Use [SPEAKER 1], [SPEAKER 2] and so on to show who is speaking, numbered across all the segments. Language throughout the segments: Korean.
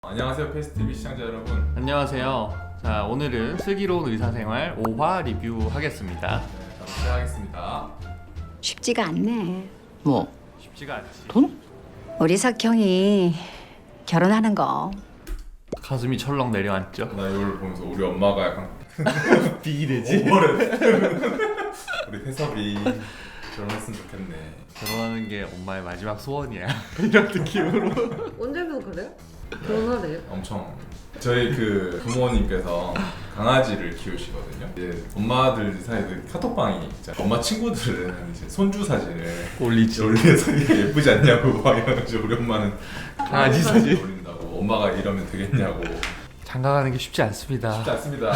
[SPEAKER 1] 안녕하세요 페스티비 시청자 여러분.
[SPEAKER 2] 안녕하세요. 자, 오늘은 슬기로운 의사생활 5화 리뷰하겠습니다.
[SPEAKER 1] 네, 시작하겠습니다.
[SPEAKER 3] 쉽지가 않네.
[SPEAKER 4] 뭐?
[SPEAKER 2] 쉽지가 않지.
[SPEAKER 4] 돈?
[SPEAKER 3] 우리 석형이 결혼하는 거.
[SPEAKER 2] 가슴이 철렁 내려앉죠.
[SPEAKER 1] 나 이걸 보면서 우리 엄마가 약간
[SPEAKER 2] 비기되지?
[SPEAKER 1] 오버를 우리 태섭이 결혼했으면 좋겠네.
[SPEAKER 2] 결혼하는 게 엄마의 마지막 소원이야. 이런 느낌으로.
[SPEAKER 5] 언제부터 그래요? 결혼하래요?
[SPEAKER 1] 엄청 저희 그 부모님께서 강아지를 키우시거든요. 이제 엄마들 사이에 카톡방이 있잖아요. 엄마 친구들은 이제 손주 사진을
[SPEAKER 2] 올리지.
[SPEAKER 1] 올려서 이게 예쁘지 않냐고 막 이러면서 우리 엄마는
[SPEAKER 2] 강아지 사진
[SPEAKER 1] 올린다고. 엄마가 이러면 되겠냐고.
[SPEAKER 2] 장가가는 게 쉽지 않습니다.
[SPEAKER 1] 쉽지 않습니다.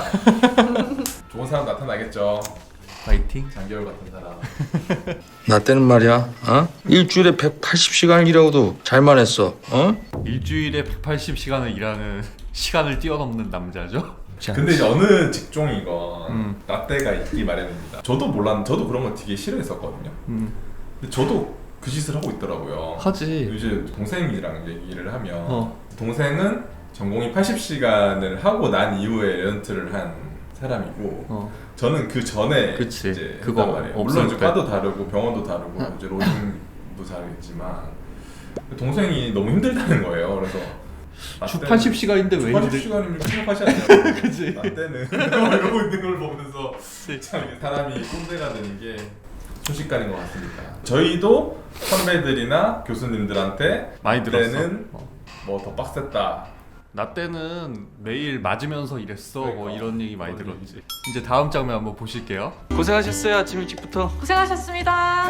[SPEAKER 1] 좋은 사람 나타나겠죠.
[SPEAKER 2] 파이팅.
[SPEAKER 1] 장겨울 같은 사람.
[SPEAKER 4] 나 때는 말이야, 일주일에 180시간을 일하고도 잘만 했어,
[SPEAKER 2] 일주일에 180시간을 일하는 시간을 뛰어넘는 남자죠.
[SPEAKER 1] 근데 이제 어느 직종이건 라떼가 있기 마련입니다. 저도 저도 그런 거 되게 싫어했었거든요. 근데 저도 그 짓을 하고 있더라고요.
[SPEAKER 2] 하지.
[SPEAKER 1] 이제 동생이랑 얘기를 하면 동생은 전공이 80시간을 하고 난 이후에 렌트를 한 사람이고 저는 그 전에
[SPEAKER 2] 그치.
[SPEAKER 1] 이제
[SPEAKER 2] 그거
[SPEAKER 1] 했단 말이에요.
[SPEAKER 2] 없을
[SPEAKER 1] 물론 이제
[SPEAKER 2] 때.
[SPEAKER 1] 과도 다르고 병원도 다르고 이제 로딩도 다르겠지만 동생이 너무 힘들다는 거예요. 그래서
[SPEAKER 2] 주 80시간인데 왜 힘들?
[SPEAKER 1] 80시간이면 생각하지 않냐고.
[SPEAKER 2] 그치.
[SPEAKER 1] 라떼는 이러고 있는 걸 보면서
[SPEAKER 2] 네.
[SPEAKER 1] 참 이게 사람이 꼰대가 되는 게 순식간인 것 같습니다. 저희도 선배들이나 교수님들한테
[SPEAKER 2] 많이 들었어.
[SPEAKER 1] 라떼는 뭐 더 빡셌다.
[SPEAKER 2] 나 때는 매일 맞으면서 일했어. 뭐
[SPEAKER 1] 그러니까.
[SPEAKER 2] 이런 얘기 많이 들었지. 이제 다음 장면 한번 보실게요.
[SPEAKER 4] 고생하셨어요, 아침 일찍부터.
[SPEAKER 5] 고생하셨습니다.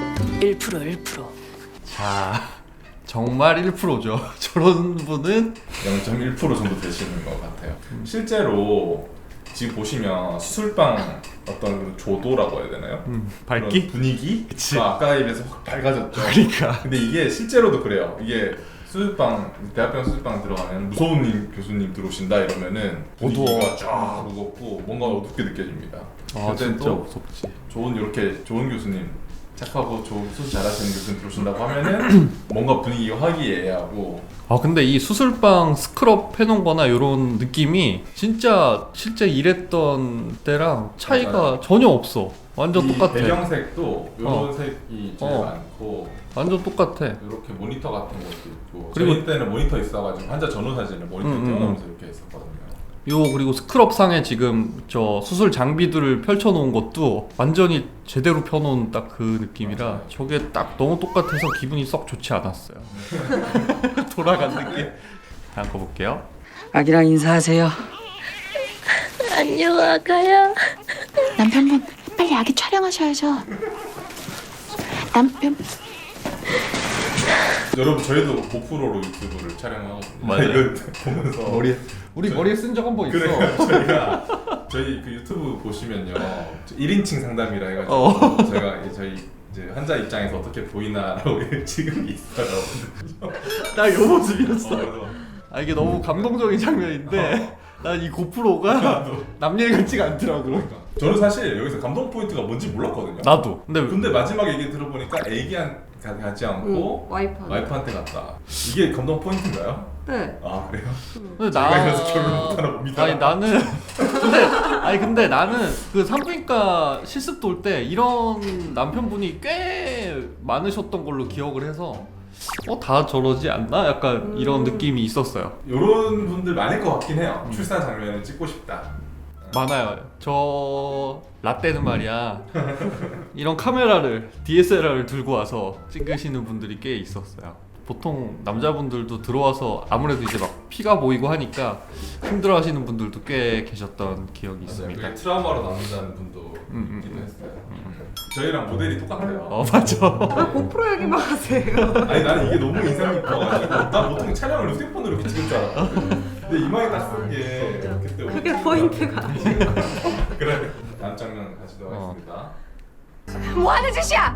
[SPEAKER 3] 1%.
[SPEAKER 2] 자, 정말 1%죠. 저런 분은
[SPEAKER 1] 0.1% 정도 되시는 것 같아요. 실제로 지금 보시면 수술방 어떤 조도라고 해야 되나요?
[SPEAKER 2] 밝기?
[SPEAKER 1] 그런 분위기?
[SPEAKER 2] 그치.
[SPEAKER 1] 아까에 비해서 확 밝아졌죠.
[SPEAKER 2] 그러니까.
[SPEAKER 1] 근데 이게 실제로도 그래요. 이게 수술방, 대학병원 수술방 들어가면 무서운 교수님 들어오신다 이러면은 분위기가
[SPEAKER 2] 어두워.
[SPEAKER 1] 쫙 무겁고 뭔가 어둡게 느껴집니다.
[SPEAKER 2] 아,
[SPEAKER 1] 그때
[SPEAKER 2] 진짜
[SPEAKER 1] 또
[SPEAKER 2] 무섭지.
[SPEAKER 1] 이렇게 좋은 교수님, 착하고 좋은 수술 잘하시는 교수님 들어오신다고 하면은 뭔가 분위기가 화기애애하고.
[SPEAKER 2] 아, 근데 이 수술방 스크럽 해놓은 거나 이런 느낌이 진짜 실제 일했던 때랑 차이가
[SPEAKER 1] 맞아요.
[SPEAKER 2] 전혀 없어. 완전
[SPEAKER 1] 이
[SPEAKER 2] 똑같아.
[SPEAKER 1] 배경색도 이런
[SPEAKER 2] 어.
[SPEAKER 1] 색이 제일
[SPEAKER 2] 어.
[SPEAKER 1] 많고
[SPEAKER 2] 완전 똑같아.
[SPEAKER 1] 이렇게 모니터 같은 것도 있고.
[SPEAKER 2] 그리고-
[SPEAKER 1] 저희 때는 모니터 있어가지고 환자 전후 사진을 모니터에 띄워놓으면서 이렇게 했었거든요.
[SPEAKER 2] 요 그리고 스크럽 상에 지금 저 수술 장비들을 펼쳐놓은 것도 완전히 제대로 펴놓은 딱 그 느낌이라
[SPEAKER 1] 맞아요.
[SPEAKER 2] 저게 딱 너무 똑같아서 기분이 썩 좋지 않았어요. 돌아간 느낌. 다음 거 볼게요.
[SPEAKER 4] 아기랑 인사하세요.
[SPEAKER 6] 안녕 아가야.
[SPEAKER 3] 남편분 빨리 아기 촬영하셔야죠. 남편
[SPEAKER 1] 여러분 저희도 고프로로 유튜브를 촬영하거든요.
[SPEAKER 2] 맞아요.
[SPEAKER 1] 이거 보면서
[SPEAKER 2] 우리
[SPEAKER 1] 저-
[SPEAKER 2] 머리에 쓴 적 한 번 있어.
[SPEAKER 1] 그래요. 저희가 저희 그 유튜브 보시면요 1인칭 상담이라 해가지고 제가 저희 이제 환자 입장에서 어떻게 보이나라고 지금 있어요.
[SPEAKER 2] 나 요 모습이었어.
[SPEAKER 1] 그래서
[SPEAKER 2] 아, 이게 너무 감동적인 장면인데 난 이 고프로가 남 얘기 같지가 않더라고.
[SPEAKER 1] 저는 사실 여기서 감동 포인트가 뭔지 몰랐거든요.
[SPEAKER 2] 나도. 근데
[SPEAKER 1] 마지막 얘기 들어보니까 애기한 가지 않고 와이프한테 갔다. 이게 감동 포인트인가요?
[SPEAKER 5] 네.
[SPEAKER 1] 아 그래요?
[SPEAKER 2] 근데
[SPEAKER 1] 제가 이래서 결혼 못하나 봅니다.
[SPEAKER 2] 근데 나는 그 산부인과 실습 돌 때 이런 남편분이 꽤 많으셨던 걸로 기억을 해서 다 저러지 않나? 약간 이런 느낌이 있었어요.
[SPEAKER 1] 이런 분들 많을 것 같긴 해요. 출산 장면을 찍고 싶다.
[SPEAKER 2] 많아요. 저 라떼는 말이야 이런 카메라를 DSLR을 들고 와서 찍으시는 분들이 꽤 있었어요. 보통 남자분들도 들어와서 아무래도 이제 막 피가 보이고 하니까 힘들어하시는 분들도 꽤 계셨던 기억이 있습니다.
[SPEAKER 1] 그게 트라우마로 남는다는 분도 있기도 했어요. 저희랑 모델이 똑같아요.
[SPEAKER 2] 맞아.
[SPEAKER 5] 아 고프로 얘기만 하세요.
[SPEAKER 1] 아니 나는 이게 너무 인상 깊어가지고 나 보통 촬영을 휴대폰으로 이렇게 찍을 줄 알았거든. 근데 이마에 딱 쓴 게 그때
[SPEAKER 5] 그게 포인트가 아니에요.
[SPEAKER 1] 그래. 다음 장면 가시도록 하겠습니다.
[SPEAKER 3] 뭐하는 짓이야?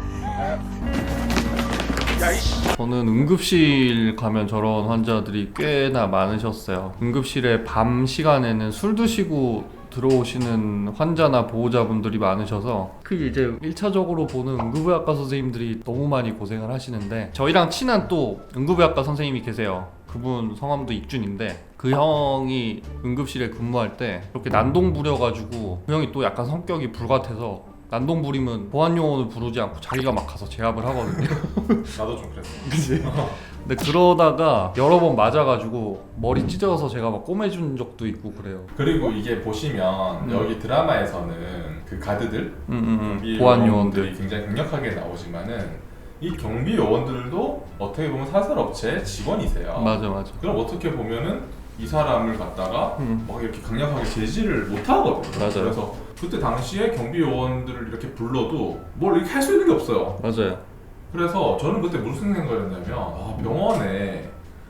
[SPEAKER 2] 저는 응급실 가면 저런 환자들이 꽤나 많으셨어요. 응급실에 밤 시간에는 술 드시고 들어오시는 환자나 보호자분들이 많으셔서 그게 이제 1차적으로 보는 응급의학과 선생님들이 너무 많이 고생을 하시는데 저희랑 친한 또 응급의학과 선생님이 계세요. 그분 성함도 익준인데 그 형이 응급실에 근무할 때 그렇게 난동 부려가지고 그 형이 또 약간 성격이 불같아서 난동 부리면 보안 요원을 부르지 않고 자기가 막 가서 제압을 하거든요.
[SPEAKER 1] 나도 좀 그랬어.
[SPEAKER 2] 그치? 근데 그러다가 여러 번 맞아가지고 머리 찢어서 제가 막 꼬매준 적도 있고 그래요.
[SPEAKER 1] 그리고 이게 보시면 여기 드라마에서는 그 가드들, 경비
[SPEAKER 2] 보안
[SPEAKER 1] 요원들이
[SPEAKER 2] 요원들.
[SPEAKER 1] 굉장히 강력하게 나오지만은 이 경비 요원들도 어떻게 보면 사설업체 직원이세요.
[SPEAKER 2] 맞아.
[SPEAKER 1] 그럼 어떻게 보면은 이 사람을 갖다가 막 이렇게 강력하게 제지를 못 하거든요.
[SPEAKER 2] 맞아요.
[SPEAKER 1] 그래서 그때 당시에 경비 요원들을 이렇게 불러도 뭘 이렇게 할 수 있는 게 없어요.
[SPEAKER 2] 맞아요.
[SPEAKER 1] 그래서 저는 그때 무슨 생각을 했냐면 병원에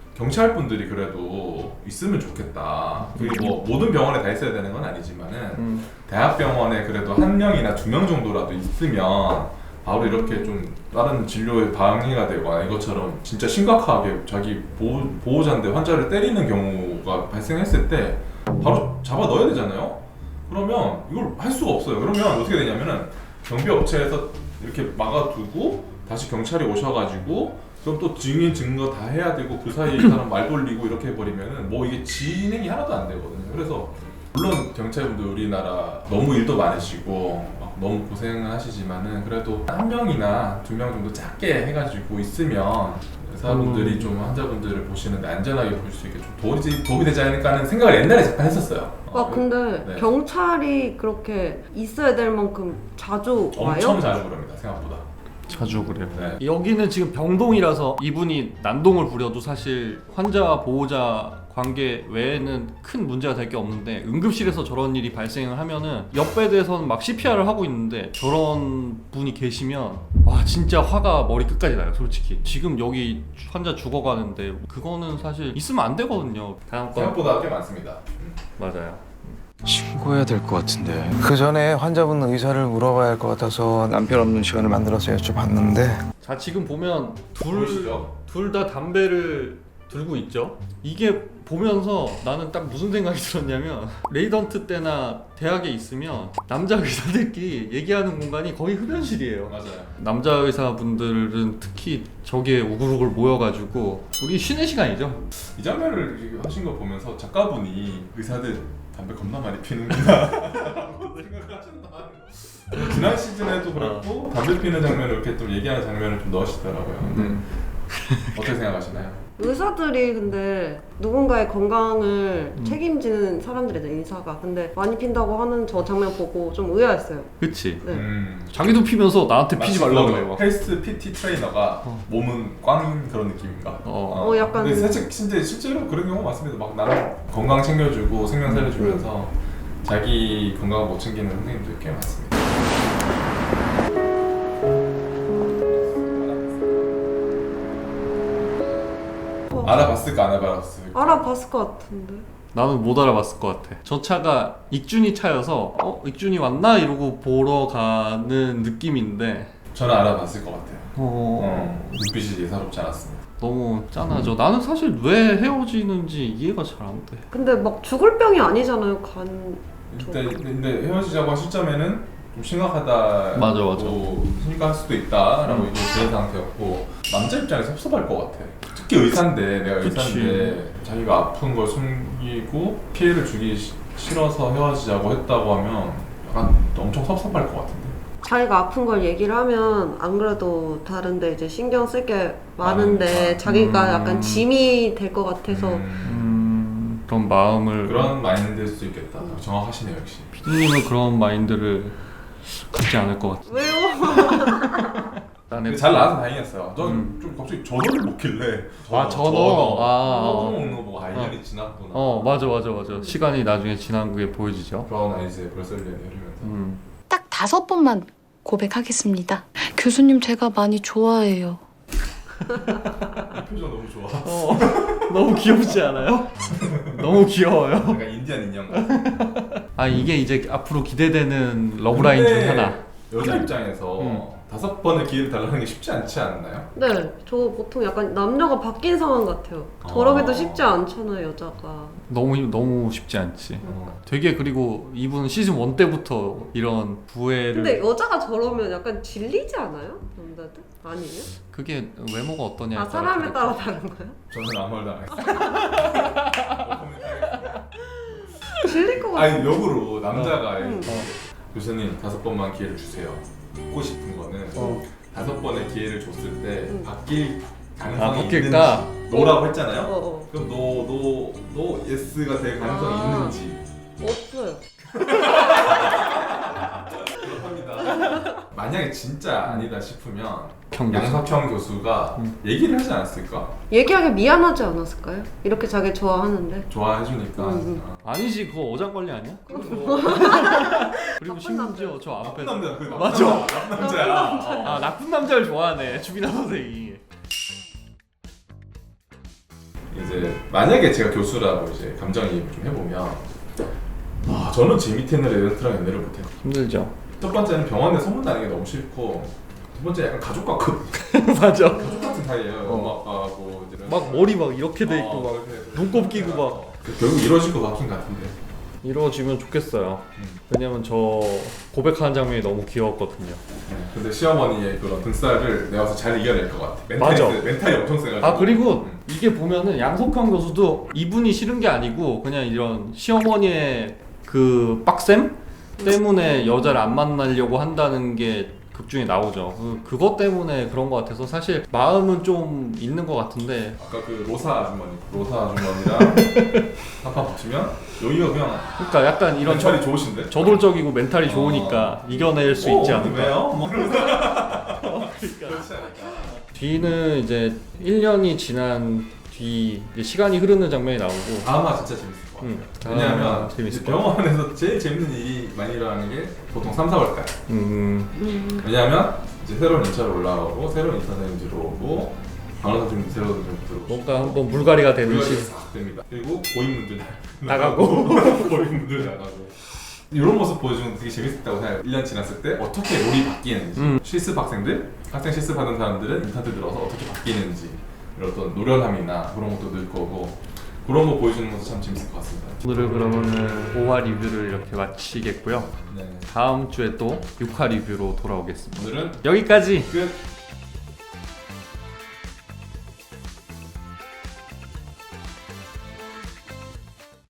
[SPEAKER 1] 경찰분들이 그래도 있으면 좋겠다. 그게 뭐 모든 병원에 다 있어야 되는 건 아니지만은 대학병원에 그래도 한 명이나 두 명 정도라도 있으면 바로 이렇게 좀 다른 진료에 방해가 되거나 이것처럼 진짜 심각하게 자기 보호자인데 환자를 때리는 경우가 발생했을 때 바로 잡아 넣어야 되잖아요. 그러면 이걸 할 수가 없어요. 그러면 어떻게 되냐면은 경비업체에서 이렇게 막아두고 다시 경찰이 오셔가지고 그럼 또 증인 증거 다 해야 되고 그 사이에 이 사람 말 돌리고 이렇게 해버리면은 뭐 이게 진행이 하나도 안 되거든요. 그래서 물론 경찰분들 우리나라 너무 일도 많으시고 막 너무 고생을 하시지만은 그래도 한 명이나 두 명 정도 작게 해가지고 있으면 의사분들이 좀 환자분들을 보시는데 안전하게 볼 수 있게 좀 도움이 되지 않을까 하는 생각을 옛날에 잠깐 했었어요.
[SPEAKER 5] 근데
[SPEAKER 1] 네.
[SPEAKER 5] 경찰이 그렇게 있어야 될 만큼 자주 와요?
[SPEAKER 1] 엄청 자주 그럽니다. 생각보다.
[SPEAKER 2] 자주 그래요.
[SPEAKER 1] 네.
[SPEAKER 2] 여기는 지금 병동이라서 이분이 난동을 부려도 사실 환자 보호자 관계 외에는 큰 문제가 될 게 없는데 응급실에서 저런 일이 발생을 하면은 옆베드에서는 막 CPR을 하고 있는데 저런 분이 계시면 와 진짜 화가 머리 끝까지 나요. 솔직히 지금 여기 환자 죽어가는데 그거는 사실 있으면 안 되거든요. 다음 건
[SPEAKER 1] 생각보다 꽤 많습니다.
[SPEAKER 2] 맞아요.
[SPEAKER 4] 신고해야 될 것 같은데.
[SPEAKER 6] 그 전에 환자분 의사를 물어봐야 할 것 같아서 남편 없는 시간을 만들어서 여쭤봤는데
[SPEAKER 2] 자 지금 보면
[SPEAKER 1] 보이시죠?
[SPEAKER 2] 둘 다 담배를 들고 있죠. 이게 보면서 나는 딱 무슨 생각이 들었냐면 레이던트 때나 대학에 있으면 남자 의사들끼리 얘기하는 공간이 거의 흡연실이에요.
[SPEAKER 1] 맞아요.
[SPEAKER 2] 남자 의사분들은 특히 저기에 우글우글 모여가지고 우리 쉬는 시간이죠.
[SPEAKER 1] 이 장면을 이렇게 하신 거 보면서 작가분이 의사들 담배 겁나 많이 피는구나 라고 생각을 하셨나. 지난 시즌에도 그렇고 담배 피는 장면을 이렇게 좀 얘기하는 장면을 좀 넣으시더라고요. 근데 어떻게 생각하시나요?
[SPEAKER 5] 의사들이 근데 누군가의 건강을 책임지는 사람들이잖아요, 의사가. 근데 많이 핀다고 하는 저 장면 보고 좀 의아했어요.
[SPEAKER 2] 그치?
[SPEAKER 5] 네.
[SPEAKER 2] 자기도 피면서 나한테 피지 말라고 해요.
[SPEAKER 1] 헬스 PT 트레이너가 몸은 꽝인 그런 느낌인가?
[SPEAKER 5] 약간-
[SPEAKER 1] 근데 사실 진짜 실제로 그런 경우 많습니다. 막 나는 건강 챙겨주고 생명 살려주면서 자기 건강 못 챙기는 선생님들 꽤 많습니다. 알아봤을까 안 알아봤을까?
[SPEAKER 5] 알아봤을 것 같은데.
[SPEAKER 2] 나는 못 알아봤을 것 같아. 저 차가 익준이 차여서 익준이 왔나? 이러고 보러 가는 느낌인데
[SPEAKER 1] 저는 알아봤을 것 같아요. 눈빛이 예사롭지 않았습니다.
[SPEAKER 2] 너무 짠하죠. 나는 사실 왜 헤어지는지 이해가 잘 안 돼.
[SPEAKER 5] 근데 막 죽을 병이 아니잖아요,
[SPEAKER 1] 근데 헤어지자고 한 시점에는 좀 심각하다고
[SPEAKER 2] 맞아.
[SPEAKER 1] 생각할 수도 있다라고 이제 그런 상태였고 남자 입장에서 섭섭할 것 같아. 특히 의사인데 내가 의사인데 자기가 아픈 걸 숨기고 피해를 주기 싫어서 헤어지자고 했다고 하면 약간 엄청 섭섭할 것 같은데.
[SPEAKER 5] 자기가 아픈 걸 얘기를 하면 안 그래도 다른데 이제 신경 쓸 게 많은데
[SPEAKER 1] 많으니까.
[SPEAKER 5] 자기가 약간 짐이 될 것 같아서
[SPEAKER 2] 그런 마음을
[SPEAKER 1] 그런 마인드일 수도 있겠다. 정확하시네요 역시.
[SPEAKER 2] 피디님은 그런 마인드를 갖지 않을 것 같아.
[SPEAKER 5] 왜요?
[SPEAKER 1] 근데 잘 나와서 다행이었어요. 전 좀 갑자기 전어를 먹길래
[SPEAKER 2] 전어.
[SPEAKER 1] 먹는 거 보고 1년이 지났구나.
[SPEAKER 2] 맞아. 시간이 나중에 지난 그게 보여지죠.
[SPEAKER 1] 브라운 아이즈의 브레슬리언이 흐르면서
[SPEAKER 3] 딱 5번만 고백하겠습니다. 교수님 제가 많이 좋아해요.
[SPEAKER 1] 이 표정 너무 좋아.
[SPEAKER 2] 너무 귀엽지 않아요? 너무 귀여워요.
[SPEAKER 1] 약간 인디안 인형 같아.
[SPEAKER 2] 이게 이제 앞으로 기대되는 러브라인 중 하나.
[SPEAKER 1] 여자 입장에서 5번의 기회를 달라는 게 쉽지 않지 않나요?
[SPEAKER 5] 네, 저 보통 약간 남녀가 바뀐 상황 같아요. 저러기도 쉽지 않잖아요, 여자가.
[SPEAKER 2] 너무 쉽지 않지. 되게 그리고 이분 시즌 1 때부터 이런 부해를
[SPEAKER 5] 근데 여자가 저러면 약간 질리지 않아요? 남자들? 아니에요?
[SPEAKER 2] 그게 외모가 어떠냐에
[SPEAKER 5] 아, 사람에 따라 다른 거야?
[SPEAKER 1] 저는 아무 말도 안 했어요.
[SPEAKER 5] 질릴 것 같아.
[SPEAKER 1] 아니 역으로 남자가
[SPEAKER 5] 응.
[SPEAKER 1] 교수님 5번만 기회를 주세요. 묻고 싶은 거는 5번의 기회를 줬을 때
[SPEAKER 5] 응.
[SPEAKER 1] 바뀔
[SPEAKER 2] 아
[SPEAKER 1] 가능성이
[SPEAKER 2] 바뀔까?
[SPEAKER 1] 있는지 노라고 했잖아요.
[SPEAKER 5] 어.
[SPEAKER 1] 그럼 노 예스가 될 가능성이
[SPEAKER 5] 아.
[SPEAKER 1] 있는지
[SPEAKER 5] 없어요.
[SPEAKER 1] 그렇답니다. 만약에 진짜 아니다 싶으면
[SPEAKER 2] 교수.
[SPEAKER 1] 양석형 교수가 얘기를 하지 않았을까?
[SPEAKER 5] 얘기하기 미안하지 않았을까요? 이렇게 자기 좋아하는데.
[SPEAKER 1] 좋아해주니까
[SPEAKER 5] 응.
[SPEAKER 2] 아니지 그거 어장관리 아니야? 그리고 심지어 저 앞에
[SPEAKER 1] 나쁜 남자 그
[SPEAKER 2] 맞아.
[SPEAKER 1] 나쁜 남자야.
[SPEAKER 2] 아 나쁜 남자를 좋아하네 주빈아 선생이.
[SPEAKER 1] 이제 만약에 제가 교수라고 이제 감정이입을 좀 해보면 저는 제 밑에 있는 애들이랑 연애를 못해요.
[SPEAKER 2] 힘들죠.
[SPEAKER 1] 첫 번째는 병원에 소문나는 게 너무 싫고 두 번째 약간 가족 같거든요.
[SPEAKER 2] 맞아.
[SPEAKER 1] 가족 같은 사이예요. 엄마 아빠하고 이제
[SPEAKER 2] 막 머리 막 이렇게 돼 있고 막
[SPEAKER 1] 이렇게
[SPEAKER 2] 눈곱 끼고 막
[SPEAKER 1] 결국 이루어질 것 같긴 같은데.
[SPEAKER 2] 이루어지면 좋겠어요. 왜냐면 저 고백하는 장면이 너무 귀여웠거든요.
[SPEAKER 1] 근데 시어머니의 그런 등살을 내가 와서 잘 이겨낼 것 같아.
[SPEAKER 2] 맞아.
[SPEAKER 1] 멘탈이 엄청 세가지고.
[SPEAKER 2] 아 그리고 이게 보면은 양석형 교수도 이분이 싫은 게 아니고 그냥 이런 시어머니의 그 빡셈 때문에 여자를 안 만나려고 한다는 게 극중에 나오죠. 그것 때문에 그런 것 같아서 사실 마음은 좀 있는 것 같은데
[SPEAKER 1] 아까 그 로사 아주머니랑 한판 붙이면 여기가 그냥
[SPEAKER 2] 그러니까 약간 이런
[SPEAKER 1] 멘탈이 좋으신데?
[SPEAKER 2] 저돌적이고 멘탈이 좋으니까 이겨낼 수 있지 않을까.
[SPEAKER 1] 왜요? 뭐.
[SPEAKER 2] 뒤는 이제 1년이 지난 뒤 이제 시간이 흐르는 장면이 나오고
[SPEAKER 1] 드라마 진짜 재밌을 것 같아요. 왜냐하면
[SPEAKER 2] 재밌을
[SPEAKER 1] 이제
[SPEAKER 2] 것 같아요.
[SPEAKER 1] 병원에서 제일 재밌는 일이 많이 일어나는 게 보통 3, 4월달. 왜냐하면 이제 새로운 인차로 올라오고 새로운 인사장님 들어오고 간호사님 새로운 들어오고
[SPEAKER 2] 뭔가 한번 물갈이가 되는
[SPEAKER 1] 물갈이
[SPEAKER 2] 시
[SPEAKER 1] 싹 됩니다. 그리고 고인분들
[SPEAKER 2] 나가고
[SPEAKER 1] 고인분들 나가고 이런 모습 보여주는 게 되게 재밌었다고 생각해요. 1년 지났을 때 어떻게 롤이 바뀌는지 실습 학생들, 학생 실습하는 사람들은 인턴들 들어서 어떻게 바뀌는지 이런 어떤 노련함이나 그런 것도 늘 거고 그런 거 보여주는 것도 참 재밌을 것 같습니다.
[SPEAKER 2] 오늘은 그러면은 5화 리뷰를 이렇게 마치겠고요.
[SPEAKER 1] 네.
[SPEAKER 2] 다음 주에 또 6화 리뷰로 돌아오겠습니다.
[SPEAKER 1] 오늘은
[SPEAKER 2] 여기까지.
[SPEAKER 1] 끝!